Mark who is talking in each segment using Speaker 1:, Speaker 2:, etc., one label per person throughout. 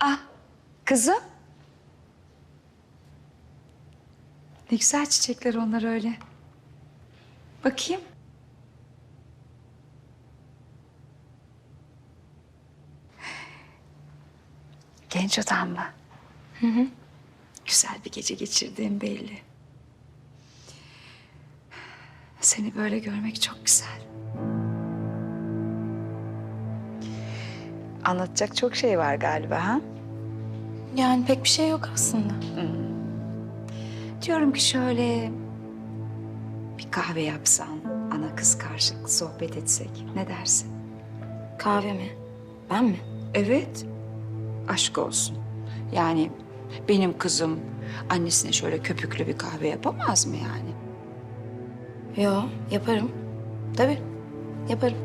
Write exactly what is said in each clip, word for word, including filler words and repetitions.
Speaker 1: Ah, kızım. Ne güzel çiçekler onlar öyle. Bakayım. Genç adam mı? Hı hı. Güzel bir gece geçirdiğim belli. Seni böyle görmek çok güzel. Anlatacak çok şey var galiba ha?
Speaker 2: Yani pek bir şey yok aslında.
Speaker 1: Diyorum ki şöyle bir kahve yapsan, ana kız karşılıklı sohbet etsek. Ne dersin?
Speaker 2: Kahve mi? Ben mi?
Speaker 1: Evet, aşk olsun. Yani benim kızım annesine şöyle köpüklü bir kahve yapamaz mı yani?
Speaker 2: Yo, yaparım. Tabii, yaparım.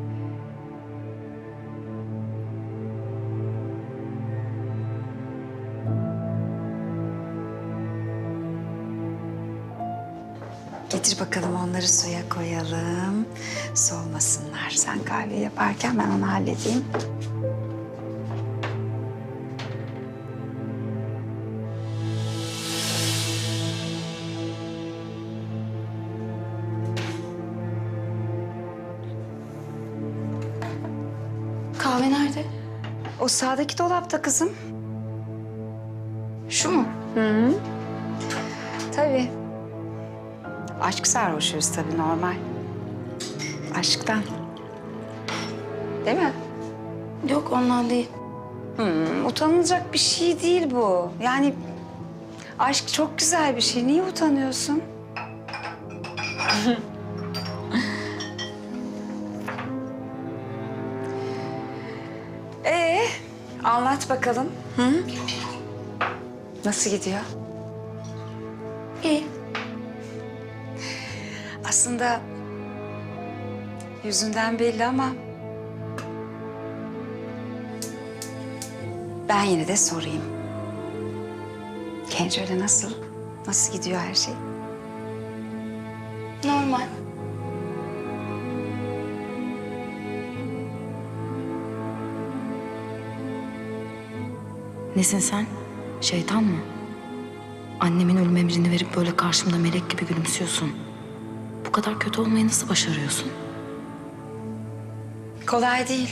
Speaker 1: Getir bakalım onları suya koyalım. Soğumasınlar. Sen kahve yaparken ben onu halledeyim.
Speaker 2: Kahve nerede?
Speaker 1: O sağdaki dolapta kızım.
Speaker 2: Şu mu?
Speaker 1: Tabii. Aşk sarhoşuyuz tabii normal. Aşktan. Değil mi?
Speaker 2: Yok, ondan değil.
Speaker 1: Hmm, utanılacak bir şey değil bu. Yani aşk çok güzel bir şey. Niye utanıyorsun? Ee, anlat bakalım. Hı? Nasıl gidiyor?
Speaker 2: İyi.
Speaker 1: Aslında yüzünden belli ama ben yine de sorayım. Kenco'yla nasıl? Nasıl gidiyor her şey?
Speaker 2: Normal. Nesin sen? Şeytan mı? Annemin ölüm emrini verip böyle karşımda melek gibi gülümsüyorsun. Bu kadar kötü olmayı nasıl başarıyorsun?
Speaker 1: Kolay değil.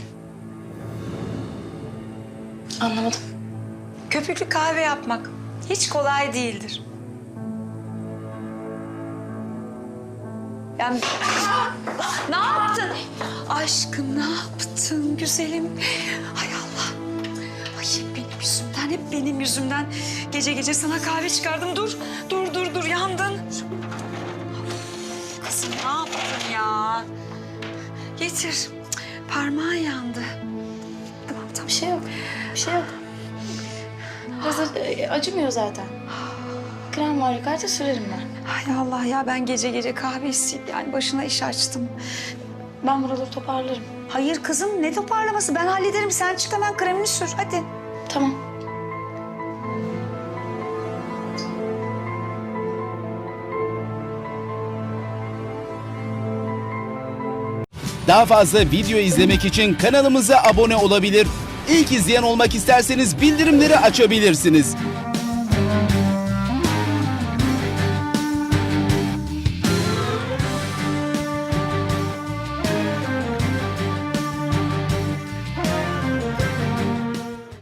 Speaker 2: Anlamadım.
Speaker 1: Köpüklü kahve yapmak hiç kolay değildir. Yani ne yaptın? Aşkım ne yaptın güzelim? Hay Allah. Ay hep benim yüzümden, hep benim yüzümden. Gece gece sana kahve çıkardım. Dur, dur, dur, dur. Yandın. Kızım ne yaptın ya? Getir. Cık, parmağın yandı. Tamam, tamam.
Speaker 2: Bir şey yok. Bir şey yok. Hazır e, acımıyor zaten. Krem var yukarıda, sürerim ben.
Speaker 1: Hay Allah ya, ben gece gece kahve isteyip yani başına iş açtım.
Speaker 2: Ben buraları toparlarım.
Speaker 1: Hayır kızım, ne toparlaması? Ben hallederim. Sen çık hemen kremini sür. Hadi.
Speaker 2: Tamam.
Speaker 3: Daha fazla video izlemek için kanalımıza abone olabilir. İlk izleyen olmak isterseniz bildirimleri açabilirsiniz.